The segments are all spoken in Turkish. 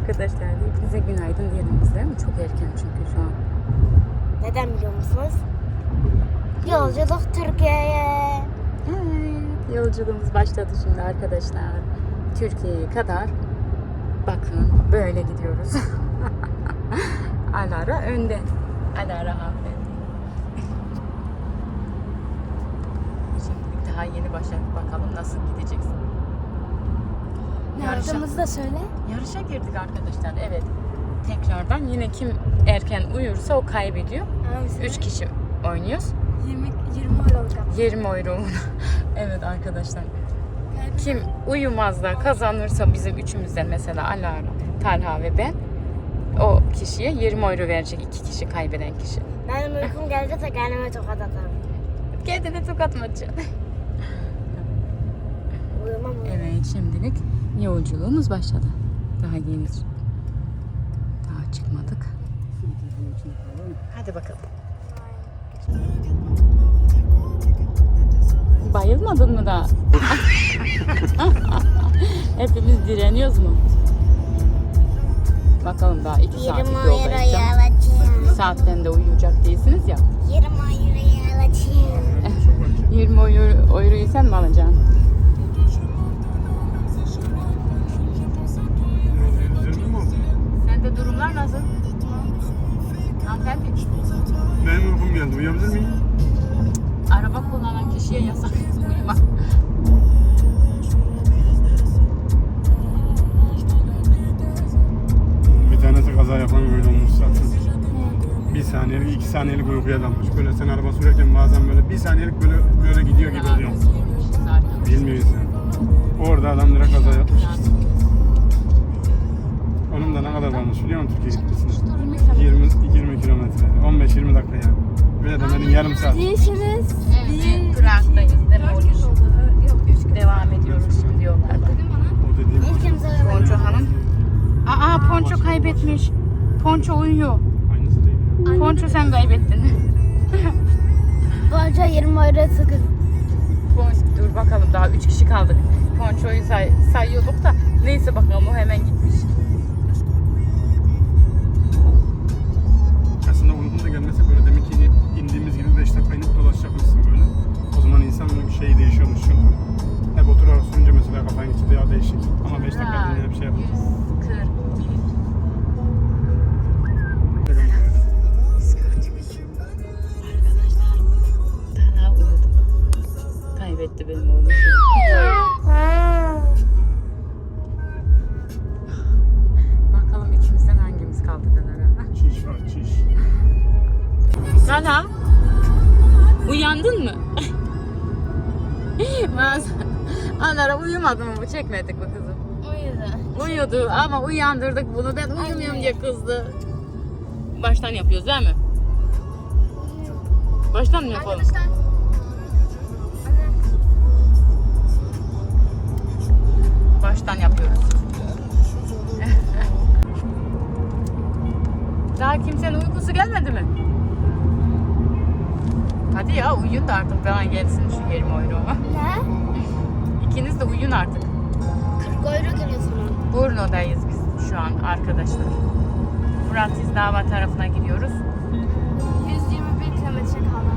arkadaşlar. Hepinize günaydın diyelim biz, değil mi? Çok erken çünkü şu an. Neden biliyor musunuz? Yolculuk Türkiye'ye. Evet, yolculuğumuz başladı şimdi arkadaşlar. Türkiye'ye kadar. Bakın böyle gidiyoruz. Alara önde. Alara hanımefendi. Şimdi daha yeni başladık. Bakalım nasıl gideceksin. Ne yaptığımızı da söyle. Yarışa girdik arkadaşlar. Evet. Tekrardan yine kim erken uyursa o kaybediyor. 3 kişi oynuyoruz. 20 euroluk yaptım. 20 euro. Evet arkadaşlar. Kim uyumaz da kazanırsa bizim üçümüzden, mesela Alara, Talha ve ben, o kişiye 20 euro verecek, 2 kişi kaybeden kişi. Benim uykum geldi de kendime tokat atarım. Kendine tokat mı atacaksın? Uyumam. Evet, şimdilik yolculuğumuz başladı. Daha yeni. Daha çıkmadık. Hadi bakalım. Bayılmadın mı daha? Hepimiz direniyoruz mu? Bakalım, daha 2 saatlik yoldayız. Saatten de uyuyacak değilsiniz ya. 20 euroya alacağım. 20 euroyu sen mi alacaksın? Sende durumlar nasıl? Hanımefendi. Benim uykum geldi. Uyuyabilir miyim? Araba kullanan kişiye yasak uyumak. Bir tanesi kaza yapan böyle olmuş zaten. 1 saniyelik, 2 saniyelik uykuya dalmış. Böyle sen araba sürerken bazen böyle 1 saniyelik böyle gidiyor gibi oluyor. Bilmiyor insan. Orada adam direkt kaza yapmış işte. Onun da ne kadar kalmış biliyor musun Türkiye gitmesine? 20 kilometre. 15-20 dakika yani. Böyle demenin yarım saat. Değilsiniz. Evet, Prag'dayız değil mi? Yok 3 gün. Devam ediyoruz şimdi yollarda. O dediğim Ponço hanım. Aa, Ponço kaybetmiş. Ponço uyuyor. aynısı değil ya. Ponço sen kaybettin. Bolca 20 euro sıkın. Dur bakalım, daha 3 kişi kaldık. Ponço'yu sayıyorduk da neyse, bakalım o hemen gitmiş. Aslında uykun da gelmese böyle demek ki indiğimiz gibi 5 dakika inip dolaşacakmışsın böyle. O zaman insanın şeyi değişiyormuş çünkü. Hep oturarak sürünce mesela kafan geçti ya değişik. Ama 5 dakika dinlenip şey yapıyor. 140. Arkadaşlar, Talha uyudu. Kaybetti benim oğlum. Bakalım içimizden hangimiz kaldı Talha. Çiş var çiş. Talha, uyandın mı? Anara uyumadı mı bu? Çekmedik mi kızım? Uyudu ama uyandırdık bunu. Ben uyumuyorum diye kızdı. Baştan yapıyoruz değil mi? Baştan mı yapalım? Baştan yapıyoruz. Daha kimsenin uykusu gelmedi mi? Hadi ya, uyuyun da artık, bana gelsin şu 20 euro. Ne? İkiniz de uyuyun artık. 40 euro geliyor sana. Brno'dayız biz şu an arkadaşlar. Bratislava tarafına gidiyoruz. 121 kilometre kaldı.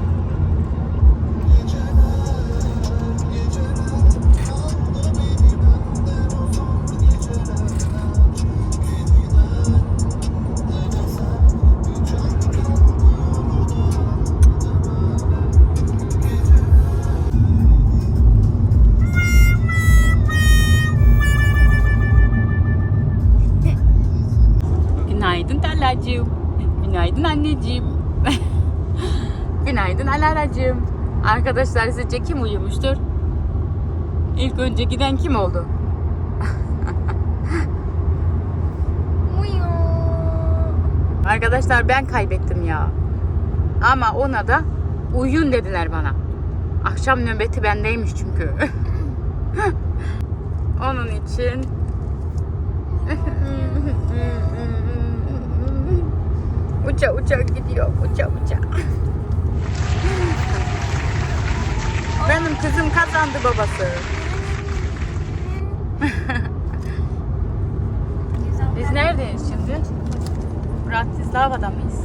Günaydın Talhacığım. Günaydın anneciğim. Günaydın Alaracığım. Arkadaşlar, sizce kim uyumuştur? İlk önce giden kim oldu? Arkadaşlar, ben kaybettim ya. Ama ona da uyuyun dediler bana. Akşam nöbeti bendeymiş çünkü. Onun için uça uça gidiyor, uça uça. Benim kızım kazandı babası. Biz neredeyiz? Bratislava'da mıyız?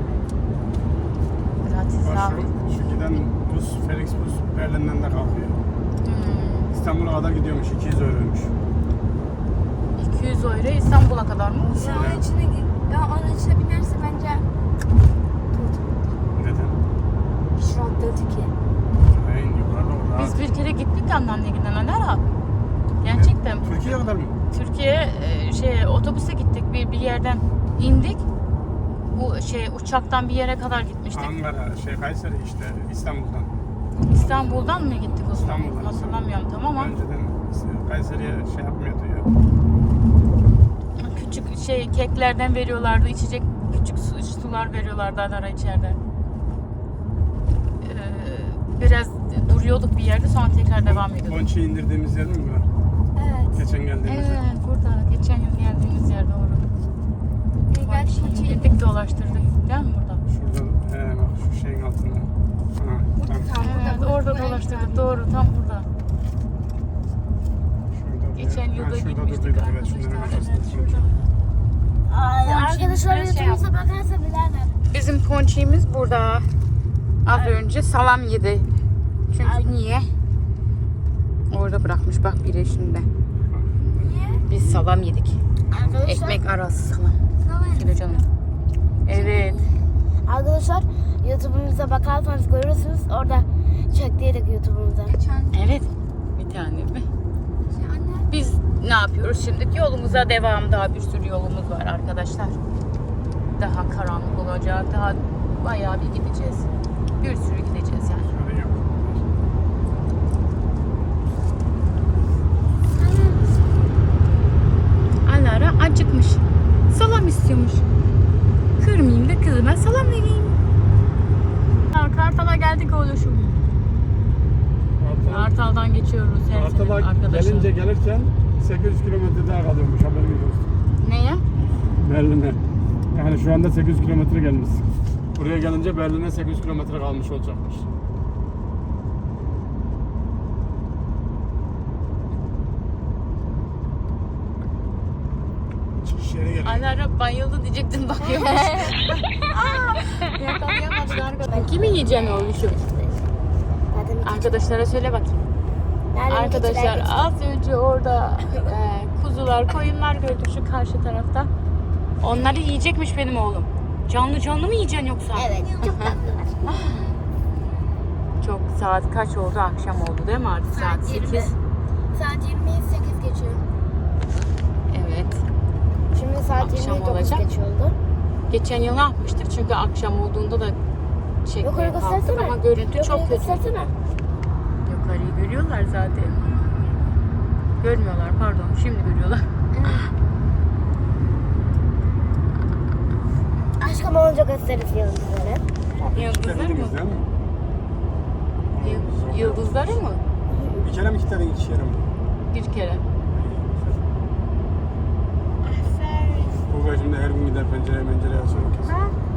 Bratislava. Şu giden bus, Felix bus Berlin'den de kalkıyor. İstanbul'a kadar gidiyormuş, 200 euroymuş. 200 euro İstanbul'a kadar mı? Ya onun içine, ya onun içine binerse bence Neden? şurat dedi ki. En yukarıda o rahat. Biz bir kere gittik anneannegiden Alara. Gerçekten. Türkiye'ye kadar mı? Türkiye otobüse gittik bir yerden indik. Bu uçaktan bir yere kadar gitmiştik. Ankara, Kayseri işte, İstanbul'dan. İstanbul'dan mı gittik o zaman? İstanbul'dan. Hatırlamıyorum tam ama. Önceden Kayseri'ye yapmıyordu ya. Küçük keklerden veriyorlardı, içecek küçük sular veriyorlardı Alara içeride. Biraz duruyorduk bir yerde, sonra tekrar devam ediyorduk. Bonçi'yi indirdiğimiz yer mi var? Evet. Geçen geldiğimiz yer. Evet, burada. Geçen yıl geldiğimiz yer doğru. Gerçi Koçi Gittik dolaştırdık değil mi burada? Şurada, bak şu şeyin altında. Ha, tam. Evet, orada dolaştırdık doğru, tam burada. Şurada, Geçen yılda şurada gitmiştik durduyduk, evet, arkadaşlar. şunların Evet, arkasında. şurada. Ay, arkadaşlar Ponçiğimiz YouTube'umuza bakarsa bilerler. Bizim ponçiğimiz burada. Az önce salam yedi. Çünkü niye? Orada bırakmış bak biri şimdi. Niye? Biz salam yedik. Arkadaşlar. Ekmek arası salam. Kilo canım. Evet. Arkadaşlar YouTube'umuza bakarsanız görürsünüz. Orada çektiydik YouTube'umuza. Evet. Bir tane mi? Anne. Biz ne yapıyoruz şimdi? Yolumuza devam. Daha bir sürü yolumuz var arkadaşlar. Daha karanlık olacak. Daha bayağı bir gideceğiz. Bir sürü gideceğiz yani. Şöyle yok. Alara acıkmış. Salam istiyormuş. Kırmayayım da kızıma salam vereyim. Kartal'a geldik oğluşum. Kartal'dan geçiyoruz her sene Kartal'a arkadaşlar. gelirken 800 kilometre daha kalıyormuş, haberiniz olsun. Neye? Berlin'e. Yani şu anda 800 kilometre gelmiş. Buraya gelince Berlin'e 800 kilometre kalmış olacakmış. Çıkış yeri geliyor. Alara bayıldı diyecektim bakıyormuş. Yakalayamadık arkadaşlar. Kimi yiyeceksin oğluşum? Arkadaşlara söyle bakayım. Arkadaşlar az önce orada kuzular, koyunlar gördük şu karşı tarafta. Onları yiyecekmiş benim oğlum. Canlı canlı mı yiyeceksin yoksa? Evet. Çok tatlılar. Çok saat kaç oldu? Akşam oldu değil mi artık? Saat 8. Saat 28 geçiyor. Evet. Şimdi saat Akşam 29 olacak. geç oldu. Geçen yıl ne yapmıştık? Çünkü akşam olduğunda da çekmeye Yukarı kalktık göstersene. ama görüntü çok Yukarı kötü. göstersene. Yukarıyı görüyorlar zaten. Görmüyorlar pardon. Şimdi görüyorlar. Aşkım olunca gösteririz yıldızları. Yıldızları mı? Kilitlediniz değil mi? Yıldızları mı? Bir kere mi kilitledin, iki kere mi? Bir kere. Google şimdi her gün gider pencereye açıyor kesin.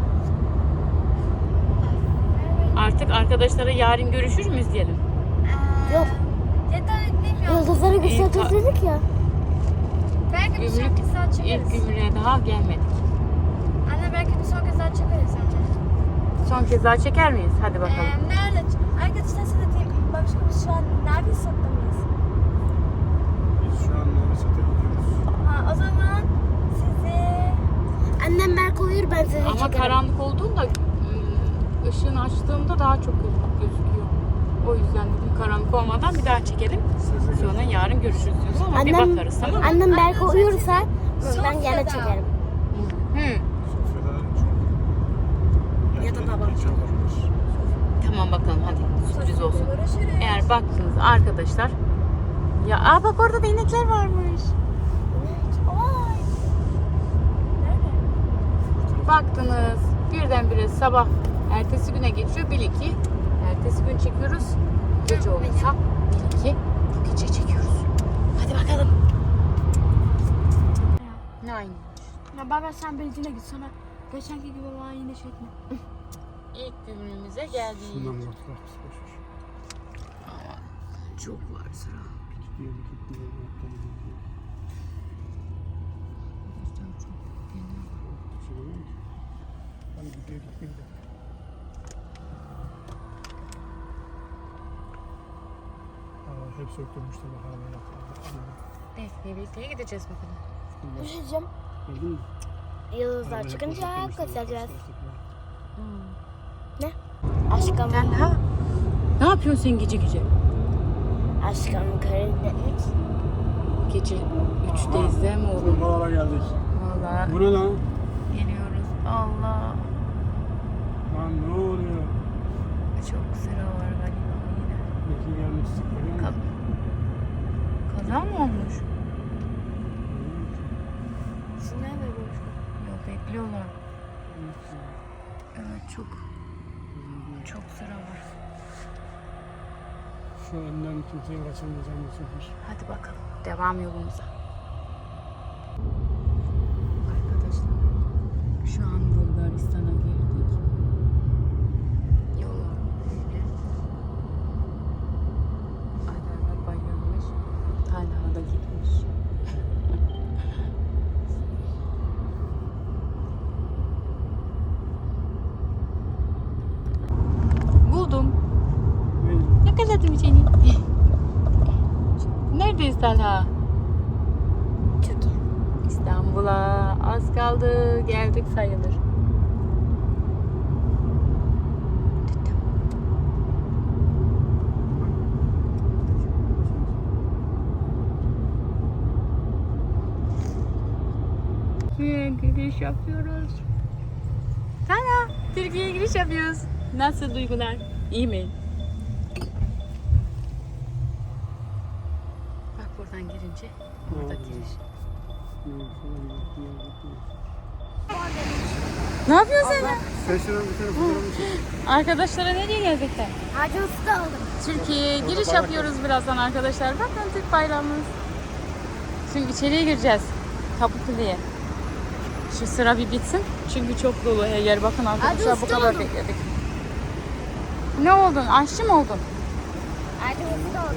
Artık arkadaşlara yarın görüşür müyüz diyelim. Yok. Yıldızları göstereceğiz dedik ya. Belki bir sonraki saat İlk çekeriz. gümrüğe daha gelmedik. Anne belki bir sonraki saat çekeriz sence. Son kez daha çeker miyiz? Hadi bakalım. Nerede? Arkadaşlar size diyeyim. Başka biz şu an nerede saklamayız? Biz şu an Novisat'a gidiyoruz. Ha o zaman sizi... Annem Berk uyur, ben sizi Ama çekerim. karanlık olduğunda ışığını açtığımda daha çok gözüküyor. O yüzden dedim karanlık olmadan bir daha çekelim. Sonra yarın görüşürüz diyoruz ama bir bakarız tamam mı? Annem Berk uyursa ben gene Sofya'da. çekerim. Hı. Sofya'da çok... Ya da babam. Geç olurmuş. Tamam bakalım hadi sürpriz olsun. Görüşürüz. Eğer baktınız arkadaşlar. Ya bak orada da inekler varmış. Oy. Nerede? Baktınız birdenbire sabah ertesi güne geçiyor. Bil ki ertesi gün çekiyoruz. Gece olursa bil ki bu gece çekiyoruz. Hadi bakalım. Nine. Ya baba sen benzinle git sonra geçenki gibi bana yine çekme. İlk günümüze geldik. Şundan bak, bak, boş ver. Çok var sıra. Gidiyor, gidiyor, gidiyor. Şöyle mi? Hep söktürmüşler bak hala. Bekleye gideceğiz bakalım. Düşeceğim. Gördün mü? Yıldızlar çıkınca göstereceğiz. Hmm. Ne? Aşkım. Talha. Ne yapıyorsun sen gece gece? Aşkım karında 3. Gece 3'teyiz değil mi oğlum? Buralara geldik. Valla Bu ne lan? geliyoruz. Allah. Lan ne oluyor? Çok sıra var galiba yine. Peki gelmiştik görüyor musun? Kaza mı olmuş? Şuna ne Yok bekliyorlar. Evet çok sıra var. Şu önden kimseyi kaçırmayacağım bu sefer. Hadi bakalım. Devam yolumuza. Arkadaşlar şu an Bulgaristan'a girdik. Yola böyle. Aylarla bayılmış. Talha da gitmiş. Buldum. Ne? Yakaladım seni. Neredeyiz Talha? Türkiye. İstanbul'a az kaldı. Geldik sayılır. Giriş yapıyoruz. Talha, Türkiye'ye giriş yapıyoruz. Nasıl duygular? İyi mi? Bak buradan girince orada giriş. Ne yapıyorsun sen? Sen şuradan bir tane fotoğrafını çek. Arkadaşlara nereye geldik sen? Hacı Usta aldım. Türkiye'ye giriş yapıyoruz birazdan arkadaşlar. Bakın Türk bayrağımız. Şimdi içeriye gireceğiz. Kapıkulu'ya. Şu sıra bir bitsin. Çünkü çok dolu her yer. Bakın arkadaşlar bu kadar bekledik. Ne oldun? Aşçı mı oldun? Hacı Usta aldım.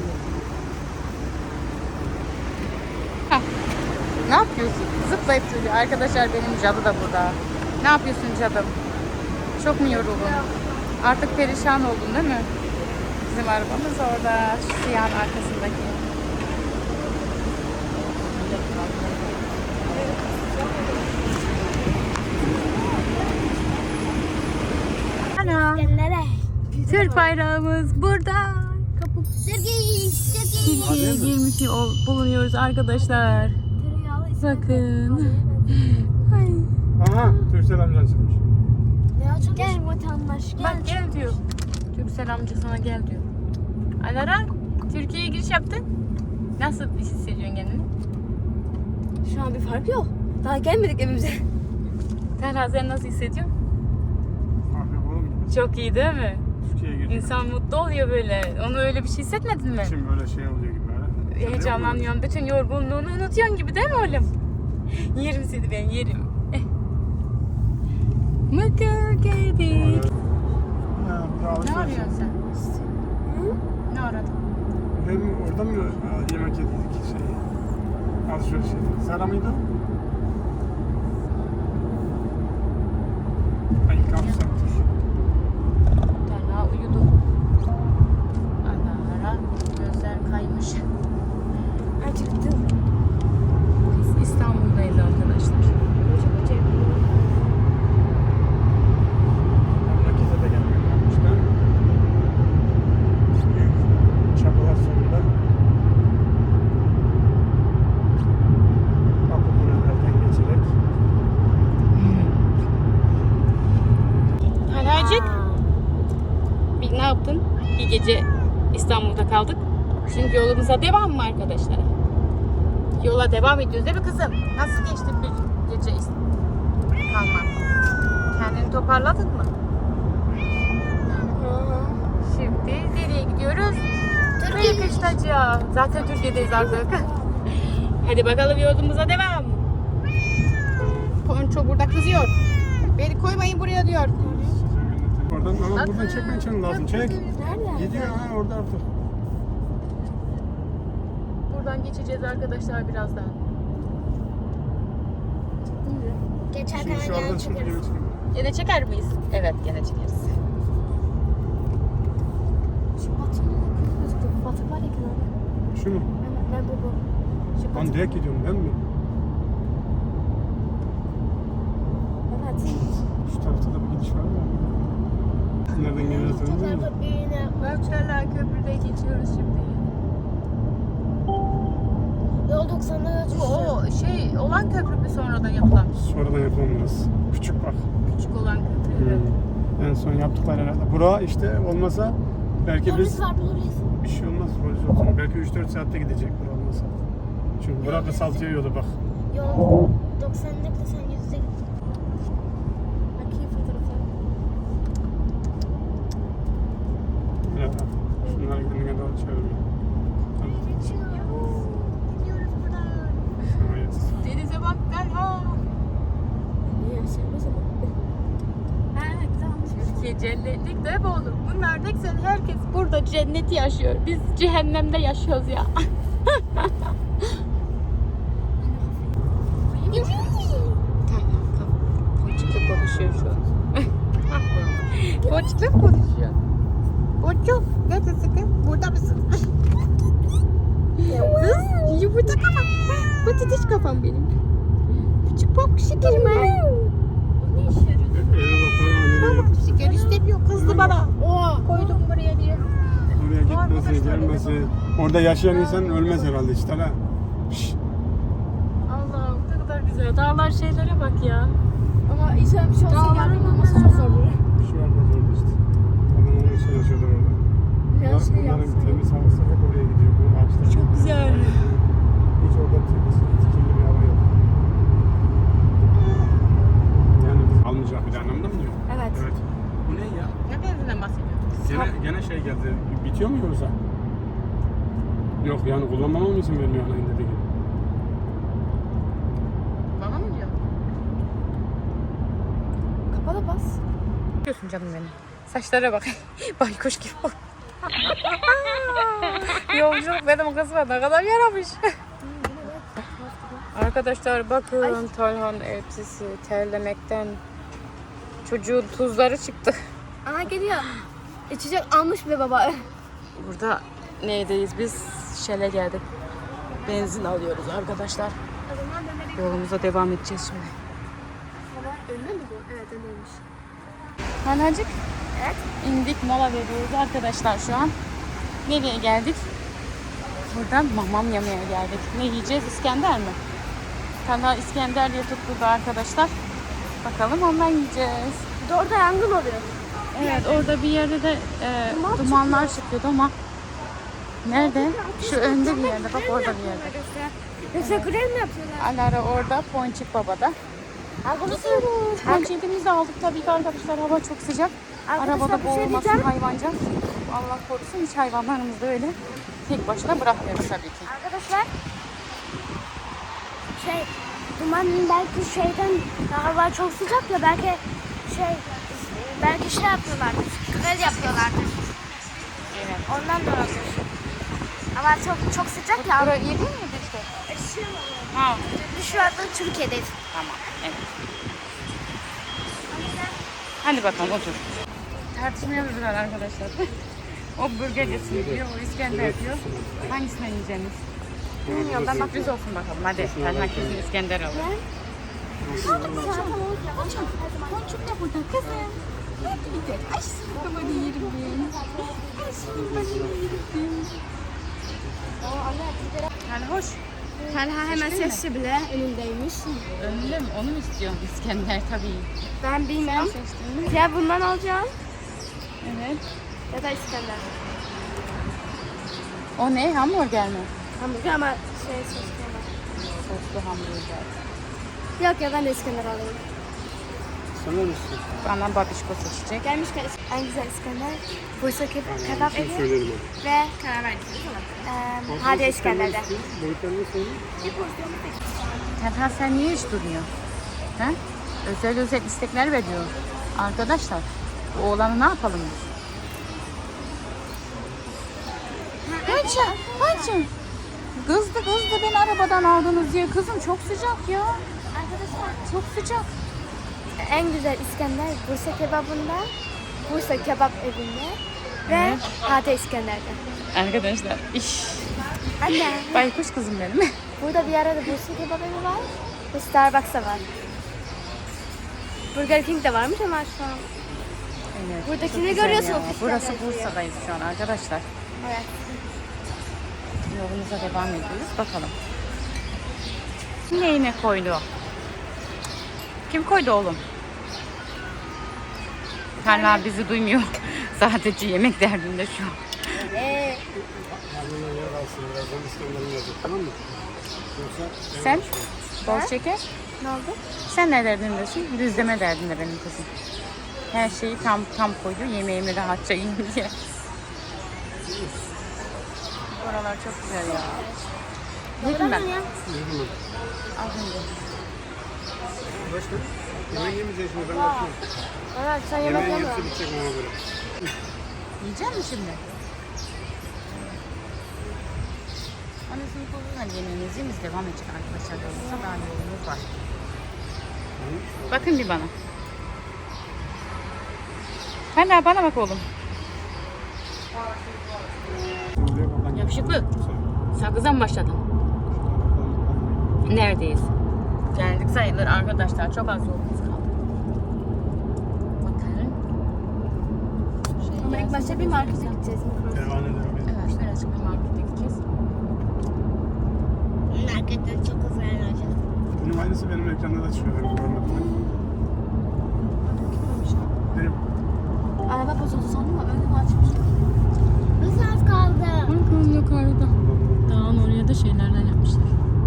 Heh. Ne yapıyorsun? Zıplayıp duruyor. Arkadaşlar benim cadı da burada. Ne yapıyorsun cadım? Çok mu yoruldun? Artık perişan oldun değil mi? Bizim arabamız orada. Şu siyahın arkasındaki. Ana. Nereye? Türk bayrağımız burada. Kapı Türkiye. Türkiye'ye girmiş bulunuyoruz arkadaşlar. Bakın. Ay. Aha, Türksel amcan çıkmış. Ne açılmış? Gel vatandaş gel. Bak gel diyor. Türksel amca sana gel diyor. Alara, Türkiye'ye giriş yaptın. Nasıl hissediyorsun kendini? Şu an bir fark yok. Daha gelmedik evimize. Talha sen nasıl hissediyorsun? Abi oğlum Çok iyi değil mi? Türkiye'ye girdik. İnsan mutlu oluyor böyle. Onu öyle bir şey hissetmedin mi? Şimdi böyle şey oluyor gibi böyle. Heyecanlanıyorsun. Bütün yorgunluğunu unutuyorsun gibi değil mi oğlum? Yerim seni ben yerim. Mıkır geldik. Ne arıyorsun sen? Ne aradın? Hem orada mı yemek yedik alışveriş yedik. Sara mıydı? Ay kapsaktır. Talha uyudu. Alara gözler kaymış. Acıktım. Biz İstanbul'dayız arkadaşlar. Memlekete de gelmek yapmışlar. Büyük çabalar sonunda. Kapılardan geçerek. Talhacık. Bir ne yaptın? Bir gece İstanbul'da kaldık. Şimdi yolumuza devam mı arkadaşlar? Yola devam ediyoruz değil mi kızım? Nasıl geçti bir gece kalman? Kendini toparladın mı? Şimdi nereye gidiyoruz? Türkiye. Kışlacığa. Zaten Türkiye'deyiz artık. Hadi bakalım yolumuza devam. Ponço burada kızıyor. Beni koymayın buraya diyor. Oradan ama buradan çekmen için lazım. Çek. Nerede? Gidiyor ha orada artık. Buradan geçeceğiz arkadaşlar birazdan. Geçerken Şimdi şu gel aradan çıkıp çekeriz. geri çıkayım. Gene çeker miyiz? Evet gene çekeriz. Şu batık var ya kenarda. Şu mu? Ben bu. Şu Ben direkt gidiyorum ben mi? Evet. Şu tarafta da bir gidiş var mı? Nereden geliyorsun? Tekrar köprüğüne. Ölçerler köprüde geçiyoruz şimdi. Yol 90'da Bu düşüyor. o şey olan köprü mü sonradan yapılan? Sonradan yapılan burası. Küçük bak. Küçük olan köprü. Evet. En son yaptıkları herhalde. Bura işte olmasa belki Polis biz var buluruz. bir şey olmaz polis olsun. Belki 3-4 saatte gidecek bura olmasa. Çünkü bura kısaltıyor yolu bak. Yol 90'da sen 100'de git. Bakayım fotoğrafı. Ya, şunlar gidene doğru çevirmiyor. Gidiyoruz buradan. Evet. Denize bak Talha. Niye sevmez ama? Türkiye cennetlik de mi olur? Bunlar ne güzel, herkes burada cenneti yaşıyor. Biz cehennemde yaşıyoruz ya. Ponçik'le konuşuyor şu an. Ponçik'le konuşuyor. Ponçik, neredesin kız? Burada mısın? Kız, yumurta kafam. Patates kafam benim. Küçük pop şekerim ha. Ne işe yarıyor? Eve bak bana nereye gittin? Şeker istemiyor, kızdı bana. Koydum buraya diye. Oraya gitmesi, gelmesi. Orada yaşayan insan ölmez herhalde işte ha. Şşş. Allah'ım ne kadar güzel. Dağlar şeylere bak ya. Ama inşallah bir şey olsa gelmeyin olması çok zor olur. Şu an orada işte. Adam onun için yaşıyorlar orada. Biraz şey Bunların yapsın. temiz havası hep oraya gidiyor. Bu ağaçlar. Çok güzel. Hiç orada temiz, kirli bir hava yok. Yani biz almayacak bir anlamda mı diyor? Evet. Evet. Bu ne ya? Ne benzinden bahsediyorsun? Gene şey geldi. Bitiyor mu yoksa? Yok yani kullanmama mı izin vermiyor ana dediği gibi? Bana mı diyor? Kapalı bas. Diyorsun canım benim. Saçlara bak. Baykuş gibi oldu. Yolculuk benim kızıma ne kadar yaramış. Arkadaşlar bakın Talhan elbisesi terlemekten çocuğun tuzları çıktı. Aha geliyor. İçecek almış bile baba. Burada neydeyiz biz? Shell'e geldik. Benzin alıyoruz arkadaşlar. Yolumuza devam edeceğiz şimdi. Önüne mi bu? Evet önüymüş. Hanacık. Evet. İndik mola veriyoruz arkadaşlar şu an. Nereye geldik? Buradan mamam yemeye geldik. Ne yiyeceğiz? İskender mi? Talha İskender diye tutturdu arkadaşlar. Bakalım ondan yiyeceğiz. Bir de orada yangın oluyor. Evet orada bir yerde de dumanlar çıkıyordu ama nerede? Şu önde bir yerde. Bak orada bir yerde. Yoksa grev mi yapıyorlar? Alara orada, Ponçik Baba'da. Arkadaşlar. Ponçik'imizi de aldık tabii ki arkadaşlar. Hava çok sıcak. Arabada bir şey boğulmasın diyeceğim. hayvanca. Allah korusun hiç hayvanlarımızı da öyle tek başına bırakmıyoruz tabii ki. Arkadaşlar. Duman belki şeyden hava çok sıcak ya belki şey yapıyorlardır. Grev yapıyorlardır. Evet. Ondan da olabilir. Ama çok sıcak ya. Buraya iyi değil mi işte? Ha. Biz şu anda Türkiye'deyiz. Tamam. Evet. Hadi bakalım otur. Tartışmıyoruz arkadaşlar. O burger diyor, o İskender diyor. Hangisini yiyeceğiniz? Bilmiyorum ben sürpriz olsun bakalım. Hadi herkesin İskender alalım. Ponçuk da burada kızım. Hadi gidelim. Ay sıkıma yerim ben. Ay sıkıma yerim ben. Yani hoş. Talha hemen Seçtin mi? sesli bile önündeymiş. Önünde mi? Onu mu istiyorsun? İskender tabii. Ben bilmem. Seçtin mi? Ya bundan alacağım Evet. ya da İskender. O ne? Hamburger mi? Hamburger ama soslu ama. Soslu hamburger. Yok ya ben de İskender alayım. Sen ne misin? Bana babişko seçecek. Gelmişken en güzel İskender. Bursa kebap Şimdi evi söylerim onu. ve Hadi İskender'de. Boyutlarını söyleyeyim. Talha sen niye hiç durmuyorsun? He? Özel istekler veriyor. Arkadaşlar bu oğlanı ne yapalım biz? Hacı. Kızdı beni arabadan aldınız diye. Kızım çok sıcak ya. Arkadaşlar Çok sıcak. en güzel İskender Bursa kebabında, Bursa kebap evinde ve Hate İskender'de. Arkadaşlar iş. Anne. Baykuş kızım benim. Burada bir arada Bursa kebap evi var ve Starbucks da var. Burger King de varmış ama şu an. Evet, Buradakini çok güzel görüyorsunuz ya. işte Burası benziyor. Bursa'dayız şu an arkadaşlar. Evet. Yolumuza devam ediyoruz. Bakalım. Neyine koydu? Kim koydu oğlum? Hala bizi duymuyor. Sadece yemek derdinde şu an. Kendine yer alsın. Birazdan İskender'in gelecek, tamam mı? Yoksa Sen? Bol şeker. Ne oldu? Sen ne derdindesin? Düzleme derdinde benim kızım. Her şeyi tam koydu. Yemeğimi rahatça yiyeyim diye. Oralar çok güzel ya. Yedim ben. Yürü mü? Az önce. Başka? Yemek yemeyeceğiz şimdi, ben bakıyorum. Evet sen yemek Yemeğin yeme. hepsi bitecek ona göre. Yiyecek misin şimdi? Annesini koyuyorlar yemeğinizi yiyiniz. Devam edecek arkadaşlar. Yolumuzda daha yolumuz var. Bakın bir bana. Hala bana bak oğlum. Yakışıklı. Sakızdan mı başladın? Neredeyiz? Geldik sayılır arkadaşlar. Çok az yolumuz kaldı. Bakın. Ama ilk başta bir markete gideceğiz. Devam edelim. Evet, birazcık bir markete gideceğiz. Marketten çok güzel olacak. Bunun aynısı benim ekranda da çıkıyor. Ben görmedim. Benim Araba bozuldu sandım ama önümü açmış. Bir saat kaldı. Bakın yukarıda. Dağın oraya da şeylerden yapmışlar.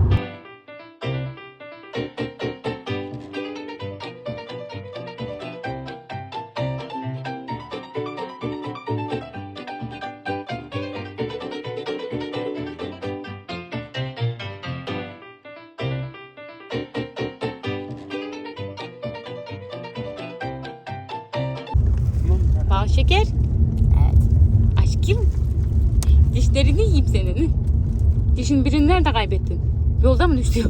Bal şeker. Evet. Aşkım. Dişlerini yiyeyim senin. Dişin birini nerede kaybettin? Yolda mı düştü?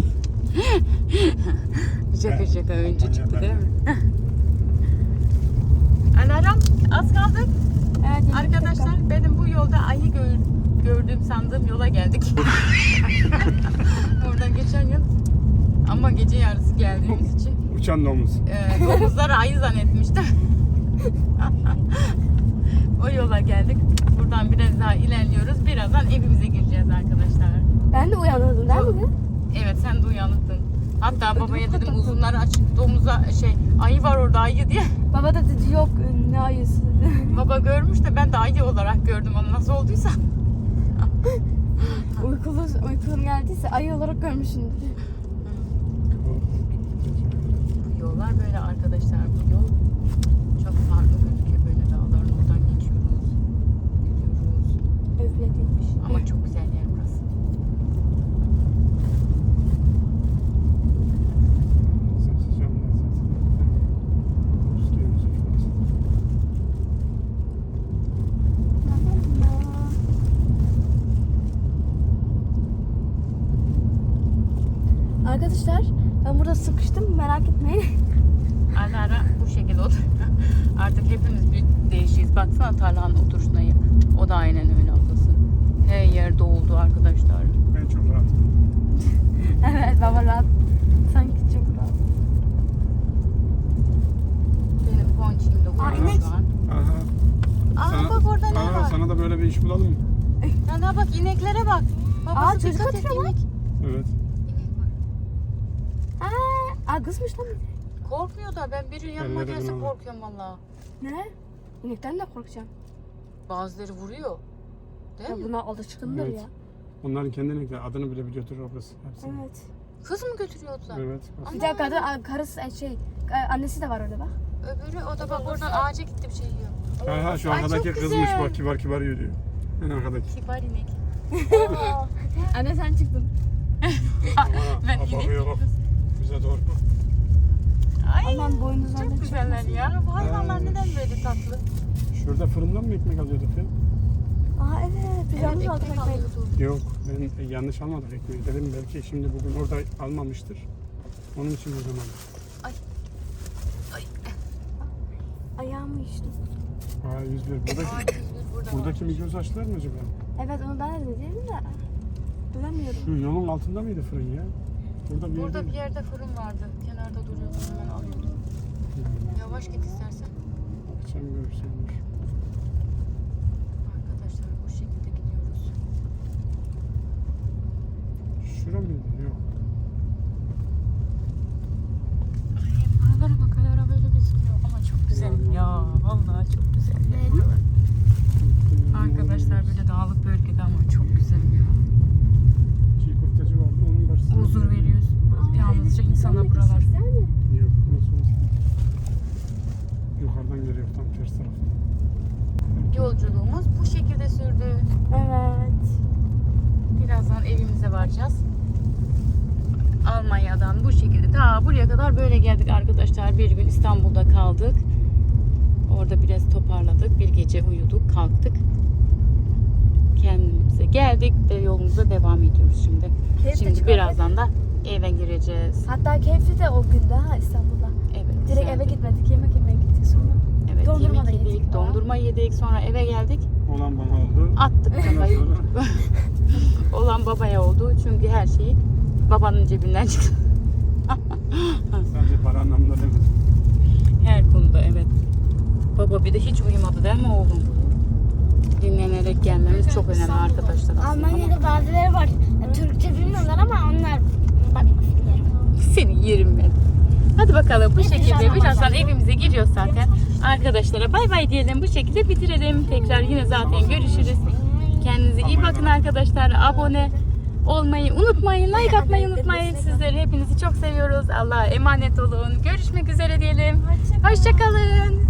Şaka önce çıktı değil mi? Alarm az kaldık. Evet. Arkadaşlar benim bu yolda ayı gördüğüm sandığım yola geldik. Oradan geçen yıl. Ama gece yarısı geldiğimiz için uçan domuz. domuzları ayı zannetmiştim. O yola geldik. Buradan biraz daha ilerliyoruz. Birazdan evimize gireceğiz arkadaşlar. Ben de uyanırdım değil mi? Evet sen de uyanıktın. Hatta babaya dedim uzunları açık domuza ayı var orada ayı diye. Baba da dedi yok ne ayısı. Baba görmüş de ben de ayı olarak gördüm onu nasıl olduysa. Uykulum geldiyse ayı olarak görmüşsün. Bu yollar böyle arkadaşlar. Bu yol çok farklı gözüküyor. Böyle dağların oradan geçiyoruz. Gidiyoruz. Öfletilmiş. Ama çok güzel yer burası. Arkadaşlar ben burada sıkıştım merak etmeyin. Ara ara bu şekilde otur. Artık hepimiz bir değişiyiz. Baksana tarlanın oturuşuna. O da aynen öyle ablası. Her yer doldu arkadaşlar. Ben çok rahatım. Evet baba rahat. Sanki çok rahat. Benim ponçim de Aa, burada inek. şu an. Aha. Bak orada ne var? Sana da böyle bir iş bulalım mı? Sana bak ineklere bak. Babası çocuk dikkat et atıyor lan. inek. Evet. İnek var. Kızmış lan bir de. Korkmuyor da ben biri yanıma Elleri gelse buna. korkuyorum valla. Ne? İnekten de korkacağım. Bazıları vuruyor. Değil Ya mi? buna alışkındır Evet. ya. Onların kendine göre adını bile biliyordur orası. Hepsini. Evet. Kız mı götürüyordular? Evet. Bir de karısı annesi de var orada bak. Öbürü o da bak oradan ağaca gitti bir şey yiyor. Ha şu Ay, arkadaki çok kızmış güzel. bak kibar yürüyor. En arkadaki. Kibar inek. Anne sen çıktın. Ben bakıyor bak. Bize doğru. Ay Aman boynuzlarına çok güzeller ya. Bu hayvanlar neden böyle tatlı? Şurada fırından mı ekmek alıyorduk ya? Aa evet. Biz yalnız aldık ekmek ekmeği. alıyordu. Yok ben yanlış almadım ekmeği. Dedim belki şimdi bugün orada almamıştır. Onun için o zaman. Ayağımı düştüm. A101. Buradaki Migros açtılar mı acaba? Evet onu ben de dedim de. Bulamıyorum. Şu yolun altında mıydı fırın ya? Burada bir yerde fırın vardı. Kenarda duruyordu. Hemen alıyordum. Yavaş git istersen. Sen görürsenmiş. Arkadaşlar bu şekilde gidiyoruz. Şura mıydı? Yok. Aralara bak, hala böyle gözüküyor ama çok güzel ya. Vallahi çok güzel ya. buralar. Arkadaşlar böyle dağlık bölgede ama çok güzel ya. Çiğ köfteci vardı onun karşısında. Huzur veriyoruz. Yalnızca insana buralar. Yok, nasıl olsun? Yukarıdan geliyor tam ters taraftan. Yolculuğumuz bu şekilde sürdü. Evet. Birazdan evimize varacağız. Almanya'dan bu şekilde ta buraya kadar böyle geldik arkadaşlar. Bir gün İstanbul'da kaldık. Orada biraz toparladık. Bir gece uyuduk, kalktık. Kendimize geldik ve yolumuza devam ediyoruz şimdi. Şimdi birazdan da eve gireceğiz. Hatta keyifli de o günde ha İstanbul'da. Evet. Direkt güzeldi. eve gitmedik, yemek yemeye gittik sonra. Evet, Dondurma da yemek yedik, yedik falan. dondurma yedik, sonra eve geldik. Olan bana oldu. Attık Ondan kafayı. sonra Olan babaya oldu çünkü her şeyi babanın cebinden çıktı. sadece para anlamında demedim. Her konuda evet. Baba bir de hiç uyumadı değil mi oğlum? Dinlenerek gelmemiz çok önemli arkadaşlar aslında. Almanya'da bazıları var. Türkçe bilmiyorlar ama onlar bakmasın. Seni yerim ben. Hadi bakalım bu şekilde birazdan evimize giriyoruz zaten. Arkadaşlara bay bay diyelim, bu şekilde bitirelim. Tekrar yine zaten görüşürüz. Kendinize iyi bakın arkadaşlar. Abone olmayı unutmayın. Like atmayı unutmayın. Sizleri hepinizi çok seviyoruz. Allah'a emanet olun. Görüşmek üzere diyelim. Hoşça kalın.